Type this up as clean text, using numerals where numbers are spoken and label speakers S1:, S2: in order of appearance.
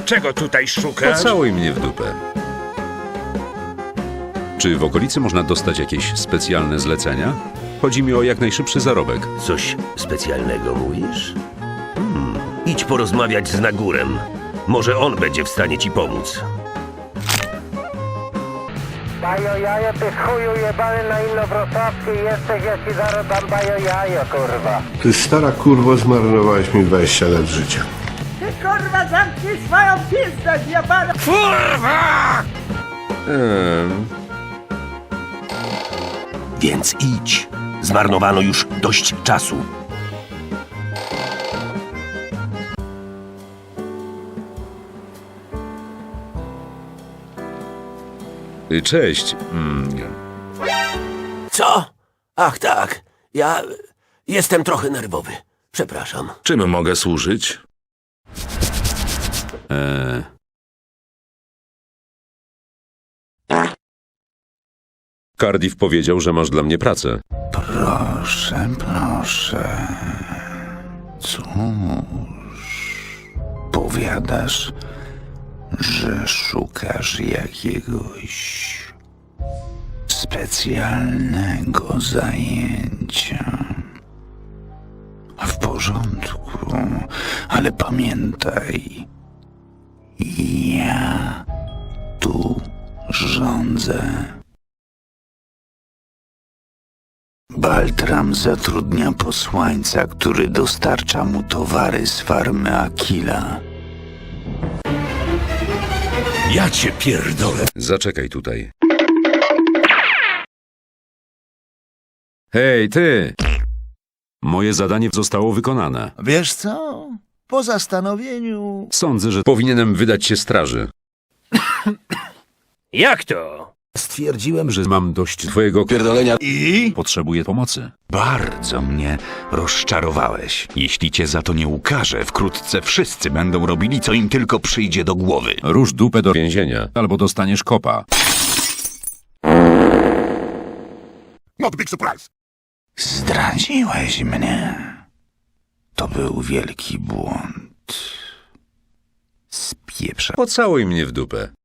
S1: Czego tutaj szukać?
S2: Pocałuj mnie w dupę. Czy w okolicy można dostać jakieś specjalne zlecenia? Chodzi mi o jak najszybszy zarobek.
S3: Coś specjalnego mówisz? Idź porozmawiać z Nagurem. Może on będzie w stanie ci pomóc.
S4: Bajo jajo, ty chuju jebany na Inowrocławskiej jesteś, ja ci zaraz dam bajo jajo, kurwa.
S5: Ty stara kurwo, zmarnowałeś mi 20 lat życia.
S6: Ty kurwa zamknij swoją pizdę, jebana!
S3: Więc idź. Zmarnowano już dość czasu.
S2: Cześć.
S3: Co? Ach tak. Ja jestem trochę nerwowy. Przepraszam.
S1: Czym mogę służyć?
S2: Cardiff powiedział, że masz dla mnie pracę.
S7: Proszę, proszę. Cóż, powiadasz, że szukasz jakiegoś specjalnego zajęcia. W porządku, ale pamiętaj, ja tu rządzę. Baltram zatrudnia posłańca, który dostarcza mu towary z farmy Akila.
S3: Ja cię pierdolę.
S2: Zaczekaj tutaj. Hej, ty! Moje zadanie zostało wykonane.
S8: Wiesz co? Po zastanowieniu...
S2: Sądzę, że powinienem wydać się straży.
S3: Jak to?
S7: Stwierdziłem, że
S2: Mam dość twojego pierdolenia.
S8: I?
S7: potrzebuję pomocy. Bardzo mnie rozczarowałeś. Jeśli cię za to nie ukażę, wkrótce wszyscy będą robili, co im tylko przyjdzie do głowy.
S2: Rusz dupę do więzienia, albo dostaniesz kopa.
S8: Not big surprise.
S7: Zdradziłeś mnie. To był wielki błąd. Spieprza.
S2: Pocałuj mnie w dupę.